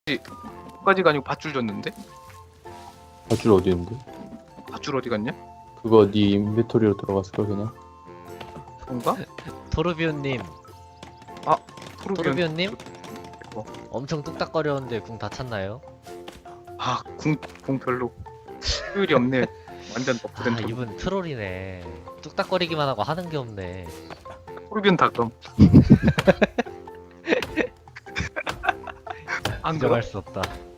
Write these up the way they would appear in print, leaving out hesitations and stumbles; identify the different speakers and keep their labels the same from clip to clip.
Speaker 1: 까지가 아니고 밧줄 줬는데?
Speaker 2: 밧줄 어디 있는데?
Speaker 1: 밧줄 어디 갔냐?
Speaker 2: 그거 네 인벤토리로 들어갔을걸 그냥?
Speaker 1: 뭔가?
Speaker 3: 토르비온님,
Speaker 1: 토르비온.
Speaker 3: 토르비온님
Speaker 1: 어.
Speaker 3: 엄청 뚝딱거렸는데 궁 다 찼나요?
Speaker 1: 공 별로 효율이 없네. 완전 너프된 토르.
Speaker 3: 이분 트롤이네. 뚝딱거리기만 하고 하는 게 없네.
Speaker 1: 토르비온 닭검. 안 그래?
Speaker 3: 인정할 수 없다.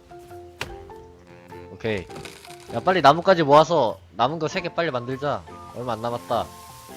Speaker 3: 오케이. 야 빨리 나무까지 모아서 남은 거 3개 빨리 만들자. 얼마 안 남았다.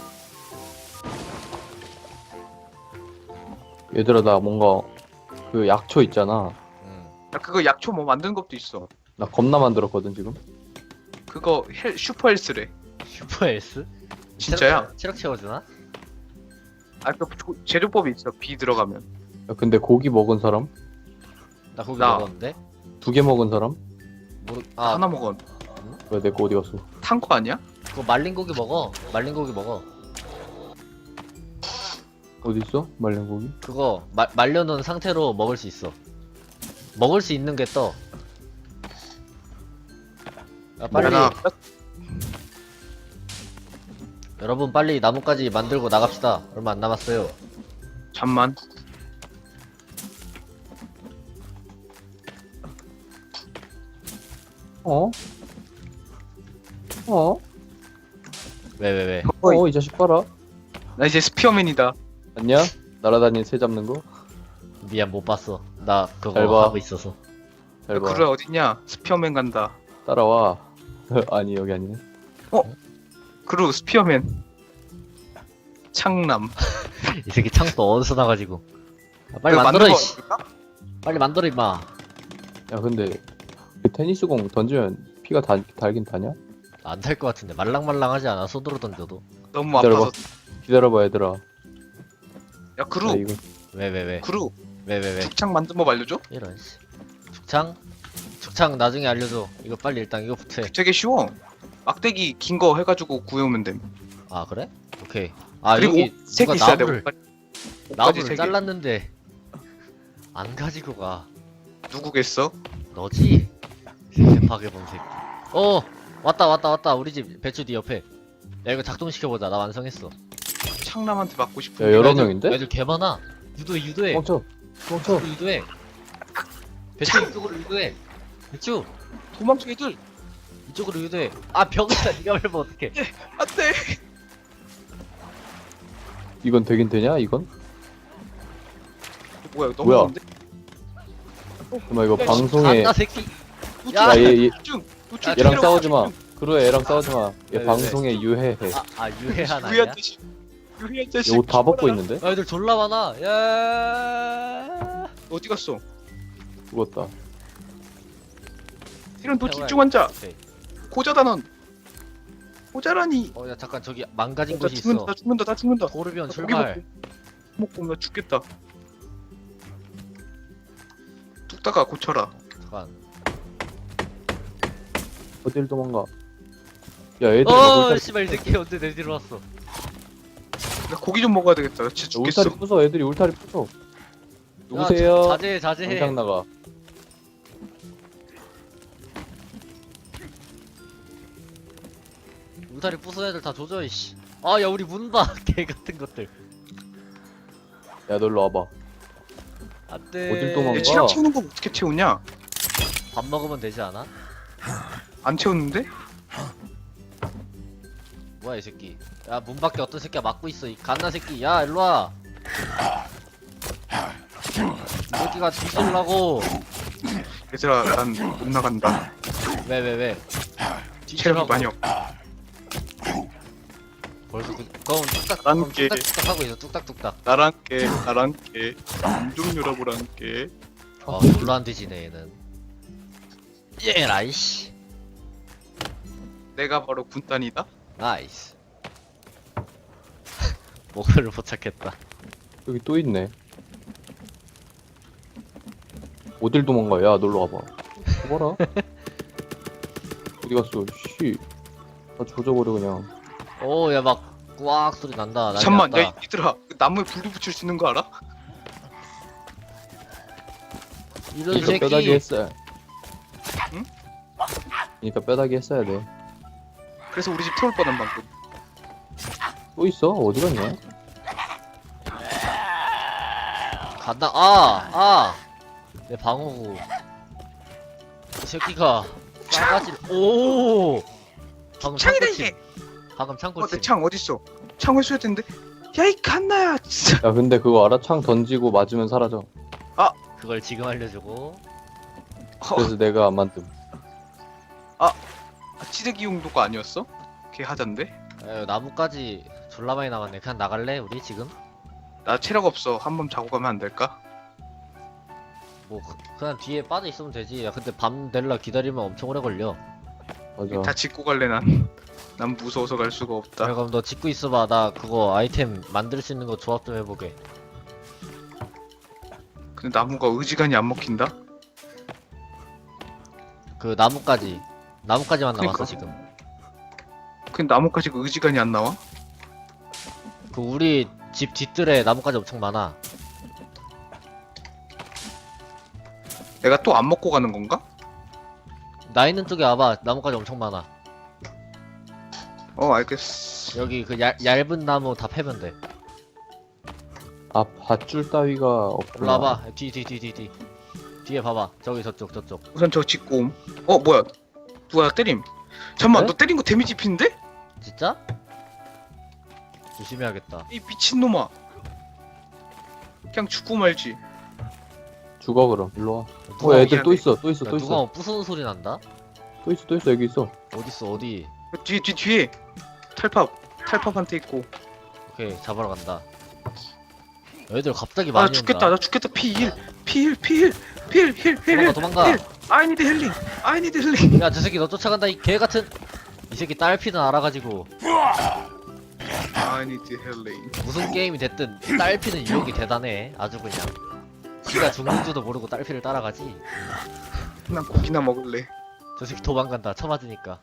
Speaker 2: 얘들아 나 뭔가 그 약초 있잖아.
Speaker 1: 야, 그거 약초 뭐 만드는 것도 있어.
Speaker 2: 나 겁나 만들었거든 지금.
Speaker 1: 그거 슈퍼 헬스래.
Speaker 3: 슈퍼 S?
Speaker 1: 진짜야?
Speaker 3: 체력 채워주나?
Speaker 1: 그 재료법이 있어. 비 들어가면.
Speaker 2: 야 근데 고기 먹은 사람?
Speaker 3: 나 고기
Speaker 1: 나.
Speaker 3: 먹었는데?
Speaker 2: 2개 먹은 사람?
Speaker 1: 하나 먹어.
Speaker 2: 왜 내 거 어디 갔어?
Speaker 1: 탄 거 아니야?
Speaker 3: 그거 말린 고기 먹어. 말린 고기 먹어.
Speaker 2: 어디 있어? 말린 고기?
Speaker 3: 그거 말려놓은 상태로 먹을 수 있어. 먹을 수 있는 게 떠. 야, 빨리
Speaker 1: 하나.
Speaker 3: 여러분 빨리 나무까지 만들고 나갑시다. 얼마 안 남았어요.
Speaker 1: 잠만.
Speaker 2: 어? 어?
Speaker 3: 왜?
Speaker 2: 이 자식 봐라.
Speaker 1: 나 이제 스피어맨이다.
Speaker 2: 안녕? 날아다니는 새 잡는 거?
Speaker 3: 미안 못 봤어. 나
Speaker 2: 잘
Speaker 3: 그거
Speaker 2: 봐.
Speaker 3: 하고 있어서.
Speaker 2: 잘 봐.
Speaker 1: 그루야 어딨냐? 스피어맨 간다.
Speaker 2: 따라와. 아니 여기 아니네.
Speaker 1: 그루 스피어맨. 창남.
Speaker 3: 이 새끼 창도 어디서 나가지고. 야, 빨리
Speaker 1: 그거
Speaker 3: 만들어
Speaker 1: 만든 거
Speaker 3: 이씨.
Speaker 1: 없을까?
Speaker 3: 빨리 만들어 임마.
Speaker 2: 야 근데 그 테니스공 던지면 피가 달긴 다냐?
Speaker 3: 안 될 것 같은데 말랑말랑하지 않아 손으로 던져도.
Speaker 1: 너무
Speaker 2: 기다려봐.
Speaker 1: 아파서.
Speaker 2: 기다려봐 얘들아.
Speaker 1: 야
Speaker 2: 나
Speaker 1: 그루.
Speaker 2: 이거
Speaker 3: 왜?
Speaker 1: 그루.
Speaker 3: 왜?
Speaker 1: 죽창 만든 법 알려줘?
Speaker 3: 이런 씨. 축창 나중에 알려줘. 이거 빨리 일단 이거부터 해.
Speaker 1: 되게 쉬워. 막대기 긴 거 해가지고 구해오면 됨.
Speaker 3: 아 그래? 오케이. 아
Speaker 1: 그리고
Speaker 3: 여기
Speaker 1: 색
Speaker 3: 누가
Speaker 1: 있어야 돼.
Speaker 3: 나무를
Speaker 1: 옷까지
Speaker 3: 나무를
Speaker 1: 세 개.
Speaker 3: 잘랐는데 안 가지고 가.
Speaker 1: 누구겠어?
Speaker 3: 너지? 대파게 본 새끼. 왔다. 우리 집 배추 뒤 옆에. 야 이거 작동시켜보자. 나 완성했어.
Speaker 1: 창남한테 맞고 싶은.
Speaker 2: 야, 여러
Speaker 3: 애들-
Speaker 2: 명인데?
Speaker 3: 애들 개 많아. 유도해.
Speaker 2: 멈춰.
Speaker 3: 유도해. 배추 이쪽으로 유도해. 배추
Speaker 1: 도망쳐 애들.
Speaker 3: 이쪽으로 유도해. 아 병이다. 니가 밟으면 어떡해.
Speaker 1: 안돼.
Speaker 2: 이건 되긴 되냐 이건?
Speaker 1: 뭐야 너무
Speaker 2: 뭐야?
Speaker 1: 많은데?
Speaker 2: 그만 이거
Speaker 1: 야,
Speaker 2: 방송에
Speaker 3: 안나 새끼.
Speaker 1: 야,
Speaker 2: 얘
Speaker 1: 중.
Speaker 2: 얘랑 싸우지 마. 그래 얘랑 싸우지 마. 얘
Speaker 3: 왜?
Speaker 2: 방송에 유해해.
Speaker 3: 유해한 아니야?
Speaker 1: 유해한 자식. 유해한 자식.
Speaker 2: 얘 옷 다 벗고 있는데?
Speaker 3: 아 애들 졸라 많아. 야.
Speaker 1: 어디 갔어?
Speaker 2: 죽었다.
Speaker 1: 이런 너 집중 앉아.
Speaker 3: 오케이.
Speaker 1: 고자다 넌. 고자라니.
Speaker 3: 야 잠깐 저기 망가진
Speaker 1: 나
Speaker 3: 곳이
Speaker 1: 죽는다.
Speaker 3: 있어.
Speaker 1: 나 죽는다. 나 죽는다.
Speaker 3: 도르비온
Speaker 1: 나
Speaker 3: 출발.
Speaker 1: 먹고 나 죽겠다. 뚝딱아 고쳐라.
Speaker 3: 잠깐.
Speaker 2: 어딜 도망가? 야 애들 막 울타리,
Speaker 3: 씨발 이 새끼 언제 내 뒤로 왔어?
Speaker 1: 나 고기 좀 먹어야 되겠다. 나 진짜 죽겠어.
Speaker 2: 울타리 부숴. 애들이 울타리 부숴. 누구세요?
Speaker 3: 자제해.
Speaker 2: 당장 나가.
Speaker 3: 울타리 부숴 애들 다 조져 이씨. 아 야 우리 문봐 개 같은 것들.
Speaker 2: 야 놀러 와봐.
Speaker 3: 안돼.
Speaker 2: 어딜 도망가?
Speaker 1: 내 체력 채우는 거 어떻게 채우냐?
Speaker 3: 밥 먹으면 되지 않아?
Speaker 1: 안 채웠는데?
Speaker 3: 뭐야 이 새끼. 야 문 밖에 어떤 새끼가 막고 있어 이 갓나 새끼. 야 일로 와. 이 새끼가 뒤질라고.
Speaker 1: 얘들아 난 못 나간다.
Speaker 3: 왜?
Speaker 1: 체력이
Speaker 3: 뒤질라고.
Speaker 1: 많이 없.
Speaker 3: 벌써 그건
Speaker 1: 난 게.
Speaker 3: 뚝딱뚝딱 하고 있어 뚝딱뚝딱.
Speaker 1: 나랑 깨. 인종 여러분랑 깨.
Speaker 3: 졸라 안 뒤지네 얘는. 예 라이씨.
Speaker 1: 내가 바로 군단이다.
Speaker 3: 나이스. 목표를 포착했다.
Speaker 2: 여기 또 있네. 어딜 도망가? 야 놀러 와봐. 봐라. 어디 갔어? 씨. 다 조져버려 그냥.
Speaker 3: 오 야 막 꽉 소리 난다. 난리
Speaker 1: 잠만,
Speaker 3: 났다.
Speaker 1: 야 얘들아 그 나무에 불도 붙일 수 있는 거 알아?
Speaker 3: 이런
Speaker 2: 그러니까 뼈다귀
Speaker 3: 새끼.
Speaker 2: 했어야.
Speaker 1: 응?
Speaker 2: 그러니까 뼈다귀 했어야 돼.
Speaker 1: 그래서 우리 집 태울 뻔한 방금.
Speaker 2: 또 있어? 어디 갔냐?
Speaker 3: 간다. 아! 내 방어구. 이 새끼가 싸가지를. 오! 방금
Speaker 1: 창이다
Speaker 3: 창고침.
Speaker 1: 이게.
Speaker 3: 방금 창고침.
Speaker 1: 내 창 어딨어? 창 회수해야 되는데. 야 이 갓나야 진짜.
Speaker 2: 야 근데 그거 알아? 창 던지고 맞으면 사라져.
Speaker 3: 그걸 지금 알려주고.
Speaker 2: 그래서 내가 안 만듦.
Speaker 1: 찌르기 용도가 아니었어? 걔 하던데.
Speaker 3: 에휴, 나무까지 졸라 많이 남았네. 그냥 나갈래? 우리 지금?
Speaker 1: 나 체력 없어. 한 번 자고 가면 안 될까?
Speaker 3: 뭐 그냥 뒤에 빠져 있으면 되지. 야 근데 밤 될라 기다리면 엄청 오래 걸려.
Speaker 2: 맞아.
Speaker 1: 다 짚고 갈래 난. 난 무서워서 갈 수가
Speaker 3: 야,
Speaker 1: 없다.
Speaker 3: 그럼 너 짓고 있어봐. 나 그거 아이템 만들 수 있는 거 조합 좀 해보게.
Speaker 1: 근데 나무가 의지간이 안 먹힌다.
Speaker 3: 그 나무까지만 남았어
Speaker 1: 그러니까.
Speaker 3: 지금.
Speaker 1: 근데 나무까지 그 의지간이 안 나와?
Speaker 3: 그 우리 집 뒤뜰에 나무까지 엄청 많아.
Speaker 1: 내가 또 안 먹고 가는 건가?
Speaker 3: 나 있는 쪽에 와봐. 나무까지 엄청 많아.
Speaker 1: 알겠어.
Speaker 3: 여기 그 얇은 나무 다 패면 돼.
Speaker 2: 아 밧줄 따위가 없구나.
Speaker 3: 올라와봐. 뒤. 뒤에 봐봐. 저기 저쪽.
Speaker 1: 우선 저 짚고 옴. 뭐야? 누가 나 때림? 잠깐만,
Speaker 3: 네?
Speaker 1: 너 때린 거 데미지 입히는데?
Speaker 3: 진짜? 조심해야겠다.
Speaker 1: 이 미친놈아. 그냥 죽고 말지.
Speaker 2: 죽어 그럼. 일로 와.
Speaker 3: 누가
Speaker 2: 애들 또
Speaker 1: 미안해.
Speaker 2: 있어. 또
Speaker 3: 야,
Speaker 2: 있어.
Speaker 3: 누가 뭐 부수는 소리 난다?
Speaker 2: 또 있어. 여기 있어.
Speaker 3: 어딨어 어디?
Speaker 1: 뒤에. 탈팝한테 있고.
Speaker 3: 오케이 잡으러 간다. 애들 갑자기 많이
Speaker 1: 나 죽겠다.
Speaker 3: 온다.
Speaker 1: 나 죽겠다. 힐.
Speaker 3: 도망가.
Speaker 1: I need healing.
Speaker 3: 야 저 새끼 너 쫓아간다 이 개 같은. 이 새끼 딸피는 알아가지고
Speaker 1: I need healing.
Speaker 3: 무슨 게임이 됐든 딸피는 유혹이 대단해. 아주 그냥. 지가 죽는 줄도 모르고 딸피를 따라가지.
Speaker 1: 난 고기나 먹을래.
Speaker 3: 저 새끼 도망간다. 쳐맞으니까.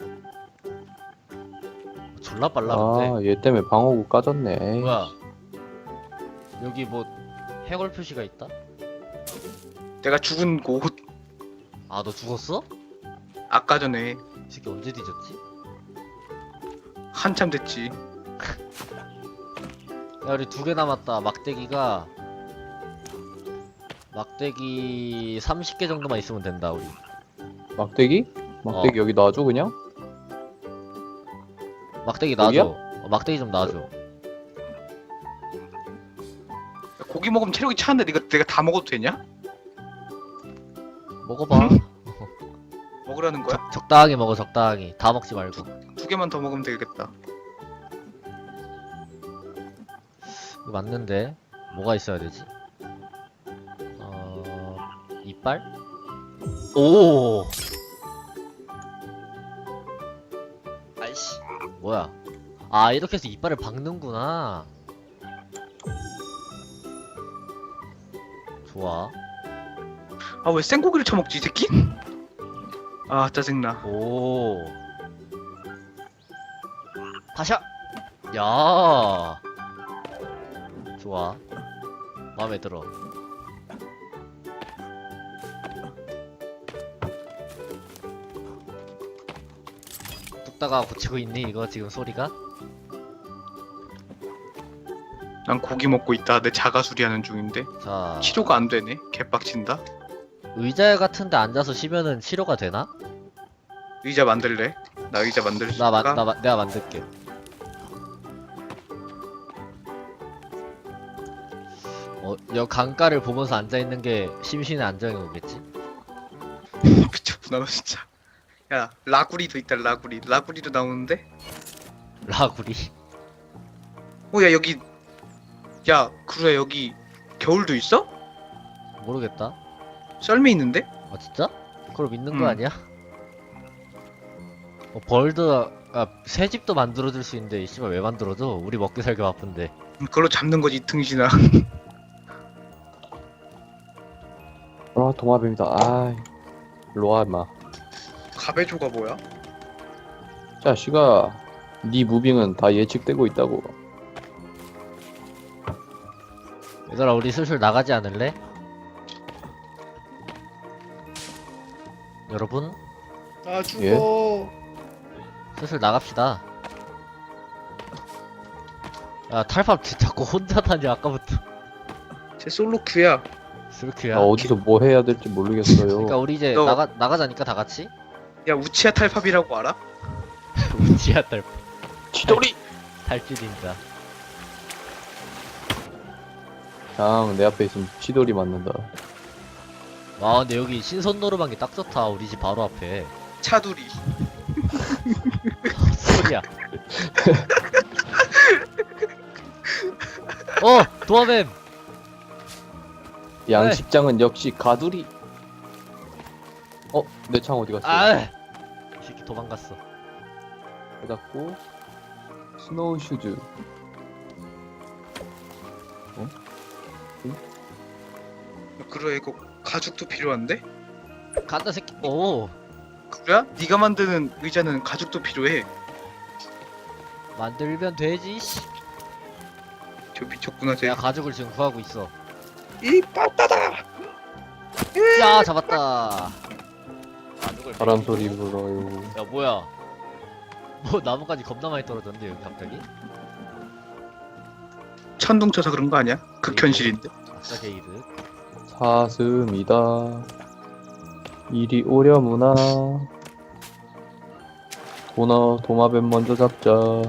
Speaker 3: 졸라 빨라 근데.
Speaker 2: 아 얘 때문에 방어구 까졌네. 에이.
Speaker 3: 뭐야? 여기 뭐 해골 표시가 있다?
Speaker 1: 내가 죽은 곳
Speaker 3: 아 너 죽었어?
Speaker 1: 아까 전에
Speaker 3: 이 새끼 언제 뒤졌지?
Speaker 1: 한참 됐지.
Speaker 3: 야 우리 2개 남았다. 막대기 30개 정도만 있으면 된다 우리.
Speaker 2: 막대기? 막대기 여기 놔줘 그냥?
Speaker 3: 막대기
Speaker 2: 여기야?
Speaker 3: 놔줘. 막대기 좀 놔줘.
Speaker 1: 고기 먹으면 체력이 차는데 내가 다 먹어도 되냐?
Speaker 3: 먹어봐.
Speaker 1: 먹으라는 거야?
Speaker 3: 적당히 먹어 적당히. 다 먹지 말고.
Speaker 1: 2개만 더 먹으면 되겠다.
Speaker 3: 이거 맞는데 뭐가 있어야 되지? 이빨? 오. 아이씨. 뭐야? 아 이렇게 해서 이빨을 박는구나. 좋아.
Speaker 1: 아 왜 생고기를 처먹지 이 새끼? 아 짜증나.
Speaker 3: 오. 파샤. 야. 좋아. 마음에 들어. 뚝딱아 고치고 있니 이거 지금 소리가?
Speaker 1: 난 고기 먹고 있다. 내 자가 수리하는 중인데
Speaker 3: 자.
Speaker 1: 치료가 안 되네. 개빡친다.
Speaker 3: 의자 같은데 앉아서 쉬면은 치료가 되나?
Speaker 1: 의자 만들래? 나 의자 만들 수 있을까?
Speaker 3: 내가 만들게. 여 강가를 보면서 앉아 있는 게 심신의 안정이 오겠지?
Speaker 1: 미쳤구나 너 진짜. 야 라구리도 있다. 라구리도 나오는데?
Speaker 3: 라구리.
Speaker 1: 야 여기. 야 그래 여기 겨울도 있어?
Speaker 3: 모르겠다.
Speaker 1: 썰매 있는데?
Speaker 3: 아 진짜? 그걸 믿는 거
Speaker 1: 음.
Speaker 3: 아니야? 벌드가 새 집도 만들어줄 수 있는데 이 씨발 왜 만들어줘? 우리 먹기 살기 바쁜데.
Speaker 1: 그걸로 잡는 거지 이 등신아.
Speaker 2: 아 동화뱀이다. 아 일로 와 임마.
Speaker 1: 가베조가 뭐야?
Speaker 2: 자식아 네 무빙은 다 예측되고 있다고.
Speaker 3: 얘들아 우리 슬슬 나가지 않을래? 여러분
Speaker 1: 아 죽어.
Speaker 2: 예?
Speaker 3: 슬슬 나갑시다. 야 탈팝 자꾸 혼자 다니 아까부터.
Speaker 1: 제 솔로 큐야.
Speaker 3: 슬크야.
Speaker 2: 나 어디서 뭐 해야 될지 모르겠어요.
Speaker 3: 그러니까 우리 이제
Speaker 1: 너-
Speaker 3: 나가자니까 다 같이.
Speaker 1: 야 우치야 탈팝이라고 알아?
Speaker 3: 우지야 탈팝.
Speaker 2: 치돌이!
Speaker 3: 탈주 닌자.
Speaker 2: 그냥 내 앞에 있으면 치돌이 맞는다.
Speaker 3: 와 근데 여기 신선 노르방이 딱 좋다. 우리 집 바로 앞에.
Speaker 1: 차두리.
Speaker 3: 소리야. 도마뱀.
Speaker 2: 양식장은 역시 가두리. 내 창 어디 갔어?
Speaker 3: 아, 이 새끼 도망갔어.
Speaker 2: 닫았고 스노우 슈즈.
Speaker 1: 그래 이거 가죽도 필요한데?
Speaker 3: 간다 새끼. 오,
Speaker 1: 그래? 네가 만드는 의자는 가죽도 필요해.
Speaker 3: 만들면 되지. 씨.
Speaker 1: 저 미쳤구나 쟤.
Speaker 3: 내가 가죽을 지금 구하고 있어.
Speaker 1: 이 빠따다.
Speaker 3: 야, 잡았다. 가죽을
Speaker 2: 바람
Speaker 3: 먹이고.
Speaker 2: 소리 불어요.
Speaker 3: 야, 뭐야? 뭐 나무까지 겁나 많이 떨어졌는데 여기 갑자기?
Speaker 1: 천둥 쳐서 그런 거 아니야? 극현실인데.
Speaker 3: 아싸 게이드.
Speaker 2: 사슴이다. 이리 오려무나. 도마뱀 먼저 잡자.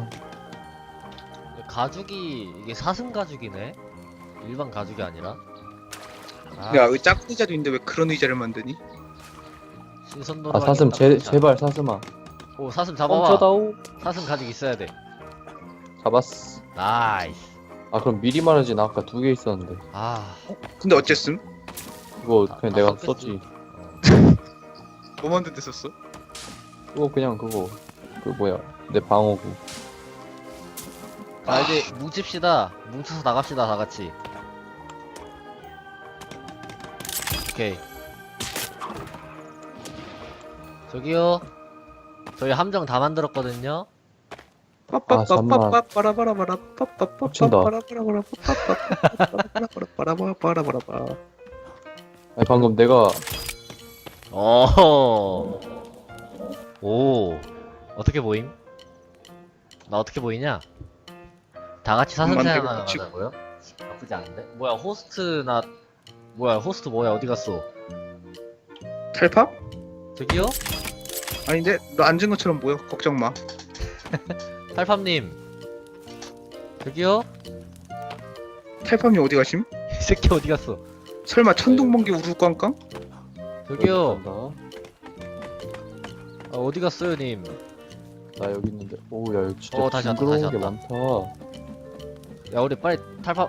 Speaker 3: 가죽이 이게 사슴 가죽이네. 일반 가죽이 아니라. 아,
Speaker 1: 야, 이 작은 의자도 있는데 왜 그런 의자를 만드니?
Speaker 3: 신선
Speaker 2: 아
Speaker 3: 노르.
Speaker 2: 사슴 제발 사슴아.
Speaker 3: 오, 사슴 잡아봐.
Speaker 2: 멈춰다오.
Speaker 3: 사슴 가죽 있어야 돼.
Speaker 2: 잡았어.
Speaker 3: 나이스.
Speaker 2: 아 그럼 미리 말하지. 나 아까 2개 있었는데.
Speaker 3: 아,
Speaker 1: 근데 어쨌음?
Speaker 2: 그거
Speaker 3: 아,
Speaker 2: 그냥 내가
Speaker 3: 썼겠지.
Speaker 2: 썼지.
Speaker 1: 뭐 만든 데 썼어?
Speaker 2: 그거 그냥 그거 그 뭐야 내 방어구.
Speaker 3: 자 이제 뭉칩시다. 뭉쳐서 나갑시다 다 같이. 오케이. 저기요. 저희 함정 다 만들었거든요.
Speaker 2: 잠만. 겹친다. 아니 방금 내가
Speaker 3: 오. 오. 어떻게 보임? 나 어떻게 보이냐? 다 같이 사슴
Speaker 1: 만들고
Speaker 3: 사냥하는
Speaker 1: 붙이고.
Speaker 3: 거고요. 나쁘지 않은데? 뭐야 호스트나 뭐야 호스트 뭐야 어디 갔어?
Speaker 1: 탈팝?
Speaker 3: 저기요?
Speaker 1: 아닌데 너 앉은 것처럼 보여. 걱정 마.
Speaker 3: 탈팝님. 저기요?
Speaker 1: 탈팝이 어디 가심?
Speaker 3: 이 새끼 어디 갔어?
Speaker 1: 설마 천둥번개 우르꽝꽝?
Speaker 3: 저기요.
Speaker 2: 간다.
Speaker 3: 아, 어디 갔어요 님?
Speaker 2: 나 여기 있는데. 오야 여기 진짜
Speaker 3: 다시 왔다,
Speaker 2: 징그러운
Speaker 3: 다시
Speaker 2: 게
Speaker 3: 왔다.
Speaker 2: 많다.
Speaker 3: 야 우리 빨리 탈팝.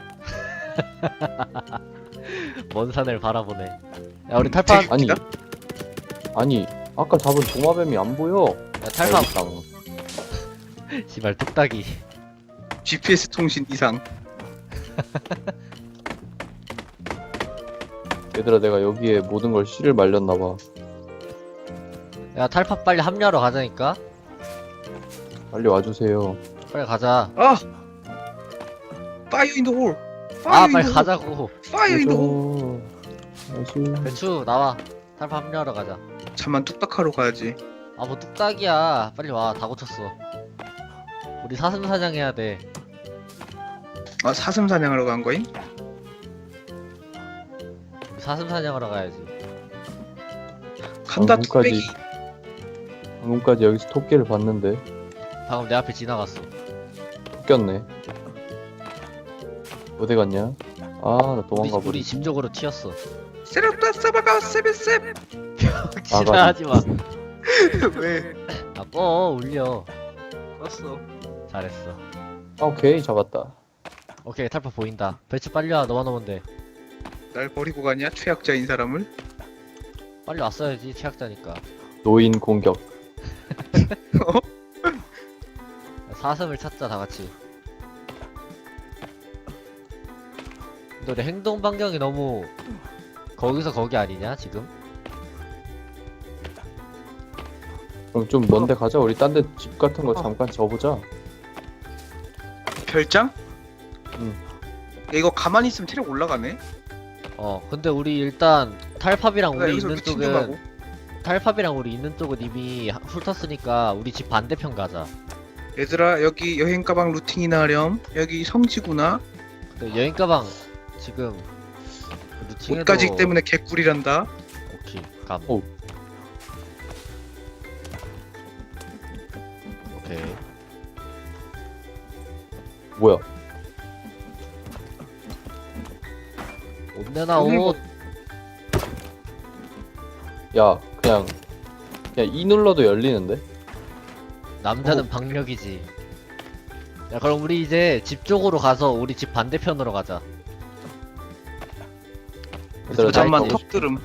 Speaker 3: 먼 산을 바라보네. 야 우리 탈팝.
Speaker 2: 아니 아니 아까 잡은 도마뱀이 안 보여.
Speaker 3: 야 탈팝.
Speaker 2: 여기 있다.
Speaker 3: 씨발 뚝딱이.
Speaker 1: GPS 통신 이상.
Speaker 2: 얘들아 내가 여기에 모든 걸 씨를 말렸나봐.
Speaker 3: 야 탈팝 빨리 합류하러 가자니까.
Speaker 2: 빨리 와주세요.
Speaker 3: 빨리 가자.
Speaker 1: 아! 파이어 인더 홀.
Speaker 3: 아 빨리 가자고.
Speaker 1: 파이어 인더 홀.
Speaker 2: 다시.
Speaker 3: 배추 나와. 탈팝 합류하러 가자.
Speaker 1: 잠만 뚝딱하러 가야지.
Speaker 3: 아 뭐 뚝딱이야. 빨리 와. 다 고쳤어. 우리 사슴 사냥해야 돼.
Speaker 1: 아 사슴 사냥하러 간 거임?
Speaker 3: 우리 사슴 사냥하러 가야지.
Speaker 1: 간다
Speaker 2: 방금까지-
Speaker 1: 뚝배기.
Speaker 2: 방금까지 여기서 토끼를 봤는데
Speaker 3: 방금 내 앞에 지나갔어.
Speaker 2: 쫓겼네. 어디 갔냐? 아 나
Speaker 3: 우리,
Speaker 2: 도망가
Speaker 3: 우리
Speaker 2: 버리.
Speaker 3: 집 쪽으로 튀었어.
Speaker 1: 세렸다 싸바가 세베셉.
Speaker 3: 지나하지 마.
Speaker 1: 왜?
Speaker 3: 아 꺼 울려.
Speaker 1: 왔어.
Speaker 3: 잘했어.
Speaker 2: 아, 오케이 잡았다.
Speaker 3: 오케이 탈팝 보인다. 배추 빨리 와. 너만 오면 돼.
Speaker 1: 날 버리고 가냐? 최악자인 사람을?
Speaker 3: 빨리 왔어야지. 최악자니까.
Speaker 2: 노인 공격.
Speaker 3: 사슴을 찾자 다 같이. 근데 우리 행동 반경이 너무 거기서 거기 아니냐 지금?
Speaker 2: 그럼 좀 먼데 가자. 우리 딴 데 집 같은 거 잠깐 져보자.
Speaker 1: 별장?
Speaker 2: 응.
Speaker 1: 야, 이거 가만히 있으면 체력 올라가네.
Speaker 3: 근데 우리 일단 탈팝이랑
Speaker 1: 나
Speaker 3: 우리
Speaker 1: 여기서
Speaker 3: 있는
Speaker 1: 루틴 좀 하고.
Speaker 3: 쪽은 탈팝이랑 우리 있는 쪽은 이미 훑었으니까 우리 집 반대편 가자.
Speaker 1: 얘들아 여기 여행 가방 루팅이나 하렴. 여기 성지구나.
Speaker 3: 근데 여행 가방 지금 루팅해도
Speaker 1: 옷가지 때문에 개꿀이란다.
Speaker 3: 오케이 감.
Speaker 2: 오.
Speaker 3: 오케이.
Speaker 2: 뭐야?
Speaker 3: 옷 내놔
Speaker 1: 오늘
Speaker 3: 옷.
Speaker 2: 야, 그냥 E 눌러도 열리는데?
Speaker 3: 남자는 박력이지. 야 그럼 우리 이제 집 쪽으로 가서 우리 집 반대편으로 가자.
Speaker 2: 얘들아,
Speaker 1: 잠깐만
Speaker 3: 나
Speaker 1: 턱 들음.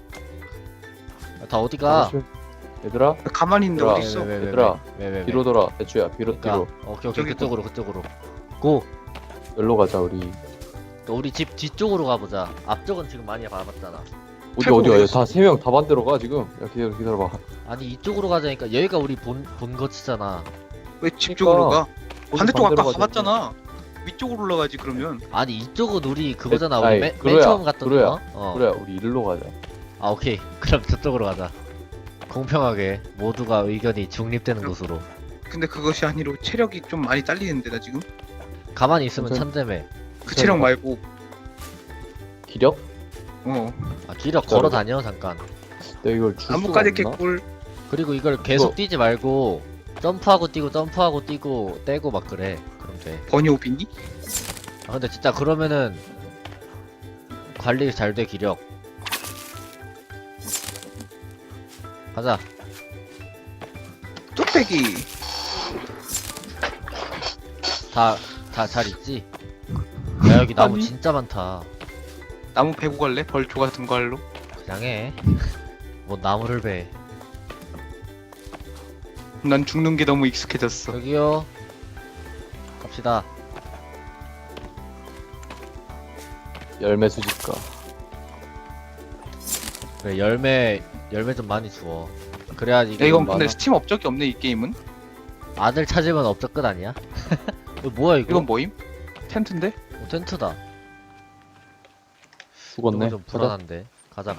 Speaker 3: 다 어디 가?
Speaker 2: 얘들아,
Speaker 1: 가만히 있는데
Speaker 2: 얘들아,
Speaker 1: 어디 있어?
Speaker 2: 얘들아,
Speaker 3: 왜?
Speaker 2: 뒤로 돌아. 대추야, 뒤로.
Speaker 3: 그러니까 오케이
Speaker 1: 저기
Speaker 3: 그쪽으로 그쪽으로. 고.
Speaker 2: 여기로 가자, 우리.
Speaker 3: 또 우리 집 뒤쪽으로 가보자. 앞쪽은 지금 많이 봐봤잖아.
Speaker 2: 어디야?
Speaker 1: 어디였어?
Speaker 2: 다 3명 다 반대로 가, 지금. 야, 기다려봐.
Speaker 3: 아니 이쪽으로 가자니까 여기가 우리 본 거치잖아.
Speaker 1: 왜 집 쪽으로 가? 반대쪽 아까
Speaker 2: 반대로 가자.
Speaker 1: 가봤잖아. 위쪽으로 올라가지 그러면.
Speaker 3: 아니 이쪽은 우리 그거잖아.
Speaker 2: 아이,
Speaker 3: 우리 맨
Speaker 2: 그로야,
Speaker 3: 처음 갔던
Speaker 2: 그로야,
Speaker 3: 거. 어.
Speaker 2: 그래, 우리 일로 가자.
Speaker 3: 아 오케이. 그럼 저쪽으로 가자. 공평하게 모두가 의견이 중립되는
Speaker 1: 그럼-
Speaker 3: 곳으로.
Speaker 1: 근데 그것이 아니로 체력이 좀 많이 딸리는데 나 지금.
Speaker 3: 가만히 있으면
Speaker 2: 괜찮-
Speaker 3: 천재매.
Speaker 1: 그 체력 말고.
Speaker 2: 기력?
Speaker 3: 아 기력
Speaker 2: 진짜로?
Speaker 3: 걸어 다녀 잠깐.
Speaker 2: 내가 이걸 줄 수가
Speaker 1: 나뭇가지
Speaker 2: 없나?
Speaker 1: 개꿀.
Speaker 3: 그리고 이걸 계속
Speaker 2: 이거-
Speaker 3: 뛰지 말고 점프하고 뛰고 점프하고 뛰고 떼고 막 그래. 그럼 돼.
Speaker 1: 버니오비니?
Speaker 3: 아 근데 진짜 그러면은 관리 잘 돼 기력. 가자.
Speaker 1: 뚝배기.
Speaker 3: 다 잘 있지? 야 여기 나무
Speaker 2: 아니.
Speaker 3: 진짜 많다.
Speaker 1: 나무 베고 갈래? 벌초 같은 걸로.
Speaker 3: 그냥 해. 뭐 나무를 배.
Speaker 1: 난 죽는 게 너무 익숙해졌어.
Speaker 3: 여기요. 갑시다.
Speaker 2: 열매 수집가.
Speaker 3: 그래 열매 좀 많이 주워. 그래야지
Speaker 1: 야
Speaker 3: 이게
Speaker 1: 이건
Speaker 2: 많아.
Speaker 1: 근데 스팀 업적이 없네 이 게임은.
Speaker 3: 아들 찾으면 업적 끝 아니야? 이거 뭐야 이거?
Speaker 1: 이건 뭐임? 텐트인데?
Speaker 3: 텐트다.
Speaker 2: 죽었네.
Speaker 3: 이거 좀 불안한데. 가자.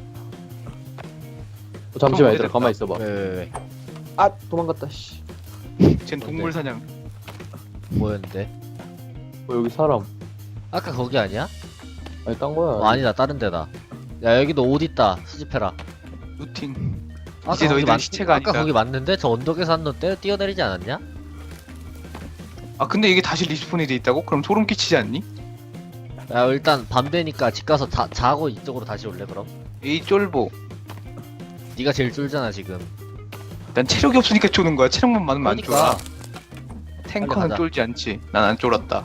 Speaker 2: 잠시만,
Speaker 1: 형,
Speaker 2: 얘들아,
Speaker 1: 어디
Speaker 2: 가만히 있어봐.
Speaker 3: 왜?
Speaker 2: 아, 도망갔다, 씨.
Speaker 1: 쟨 동물 사냥.
Speaker 3: 뭐였는데?
Speaker 2: 여기 사람.
Speaker 3: 아까 거기 아니야?
Speaker 2: 아니, 딴 거야.
Speaker 3: 어, 아니다 다른 데다. 야 여기도 옷 있다. 수집해라.
Speaker 1: 루팅.
Speaker 3: 아까
Speaker 1: 이제
Speaker 3: 거기
Speaker 1: 너희들 시체가
Speaker 3: 아까
Speaker 1: 아니다.
Speaker 3: 거기 맞는데? 저 언덕에서 한 놈 뛰어내리지 않았냐?
Speaker 1: 아 근데 이게 다시 리스폰이 돼 있다고? 그럼 소름 끼치지 않니?
Speaker 3: 야 일단 밤 되니까 집 가서 자고 이쪽으로 다시 올래 그럼?
Speaker 1: 에이 쫄보.
Speaker 3: 네가 제일 쫄잖아 지금.
Speaker 1: 난 체력이 없으니까 쪼는 거야. 체력만 많으면 안
Speaker 3: 그러니까
Speaker 1: 쫄아. 탱커는
Speaker 3: 빨리 가자.
Speaker 1: 쫄지 않지. 난 안 쫄았다.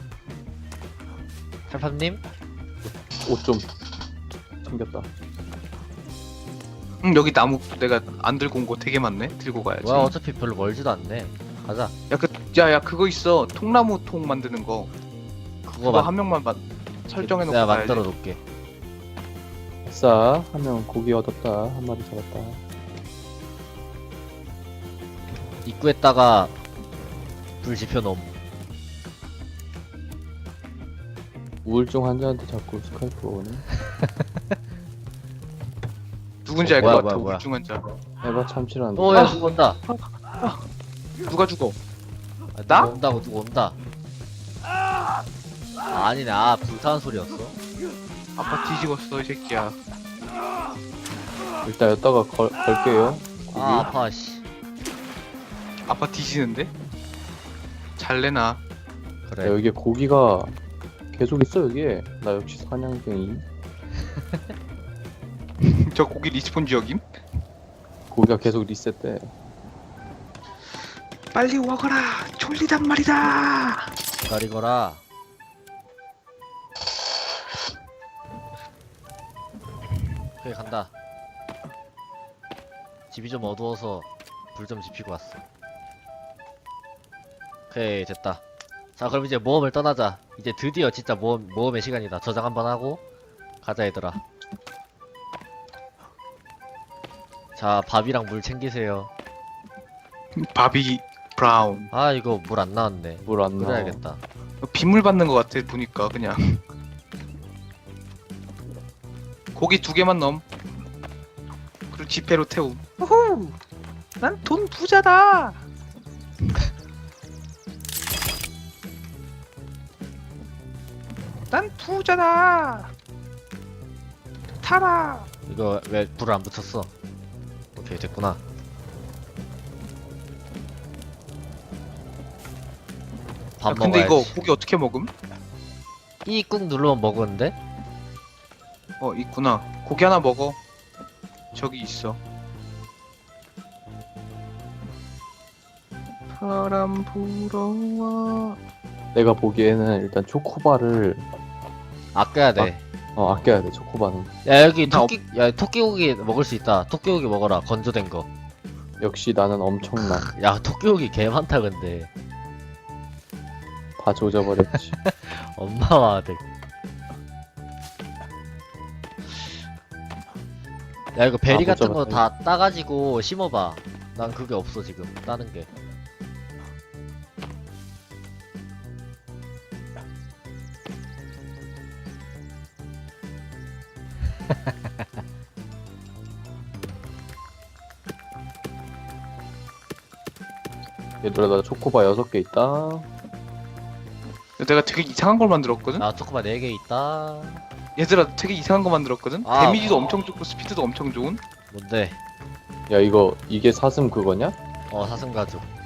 Speaker 3: 탈팝님?
Speaker 2: 옷 좀 챙겼다.
Speaker 1: 여기 나무 내가 안 들고 온 거 되게 많네. 들고 가야지.
Speaker 3: 뭐야 어차피 별로 멀지도 않네. 가자.
Speaker 1: 야 그거 있어. 통나무 통 만드는 거.
Speaker 3: 그거
Speaker 1: 그거 한 명만 설정해 놓고
Speaker 3: 내가
Speaker 1: 가야지.
Speaker 3: 만들어 놓을게.
Speaker 2: 아싸, 한 명 고기 얻었다. 한 마리 잡았다.
Speaker 3: 입구에다가 불 지펴놓음.
Speaker 2: 우울증 환자한테 자꾸 스카이프 오네.
Speaker 1: 누군지 알 것
Speaker 3: 뭐야,
Speaker 1: 같아.
Speaker 3: 뭐야.
Speaker 1: 우울증 환자.
Speaker 2: 에바 참치라는데.
Speaker 3: 오야 누구 온다.
Speaker 1: 누가 죽어?
Speaker 3: 아,
Speaker 1: 나?
Speaker 3: 누구 온다. 아, 아니네. 아 불타는 소리였어.
Speaker 1: 아빠 뒤집었어 이 새끼야.
Speaker 2: 일단 여기다가 걸게요. 고기.
Speaker 3: 아 아파 씨.
Speaker 1: 아빠 뒤지는데? 잘 내놔.
Speaker 2: 야,
Speaker 3: 그래.
Speaker 2: 여기에 고기가 계속 있어, 여기에. 나 역시 사냥쟁이.
Speaker 1: 저 고기 리스폰 지역임?
Speaker 2: 고기가 계속 리셋돼.
Speaker 1: 빨리 와거라. 졸리단 말이다.
Speaker 3: 기다리거라. 오케이 간다. 집이 좀 어두워서 불 좀 지피고 왔어. 오케이 됐다. 자 그럼 이제 모험을 떠나자. 이제 드디어 진짜 모험의 시간이다. 저장 한번 하고 가자 얘들아. 자 밥이랑 물 챙기세요.
Speaker 1: 바비 브라운.
Speaker 3: 아 이거 물 안 나왔네.
Speaker 2: 물 안 나와.
Speaker 3: 끓여야겠다.
Speaker 1: 빗물 받는 것 같아 보니까 그냥. 고기 2개만 넣음. 그리고 지폐로 태움. 우후! 난 돈 부자다. 난 부자다. 타라.
Speaker 3: 이거 왜 불을 안 붙였어? 오케이 됐구나. 밥
Speaker 1: 야, 근데
Speaker 3: 먹어야지.
Speaker 1: 이거 고기 어떻게 먹음?
Speaker 3: 이 꾹 누르면 먹었는데?
Speaker 1: 있구나. 고기 하나 먹어. 저기 있어. 바람 불어와.
Speaker 2: 내가 보기에는 일단 초코바를
Speaker 3: 아껴야 돼.
Speaker 2: 아껴야 돼. 초코바는
Speaker 3: 야 여기
Speaker 1: 나
Speaker 3: 토끼고기 먹을 수 있다. 토끼고기 먹어라. 건조된 거.
Speaker 2: 역시 나는 엄청나.
Speaker 3: 야 토끼고기 개 많다 근데.
Speaker 2: 다 조져버렸지.
Speaker 3: 엄마와 아들. 야 이거 베리 같은 거 다 따가지고 심어봐. 난 그게 없어 지금 따는 게.
Speaker 2: 얘들아 나 초코바 6개 있다.
Speaker 1: 내가 되게 이상한 걸 만들었거든?
Speaker 3: 나 초코바 4개 있다.
Speaker 1: 얘들아 되게 이상한 거 만들었거든?
Speaker 3: 아,
Speaker 1: 데미지도 엄청 좋고 스피드도 엄청 좋은?
Speaker 3: 뭔데?
Speaker 2: 야 이게 사슴 그거냐?
Speaker 3: 사슴 가죽.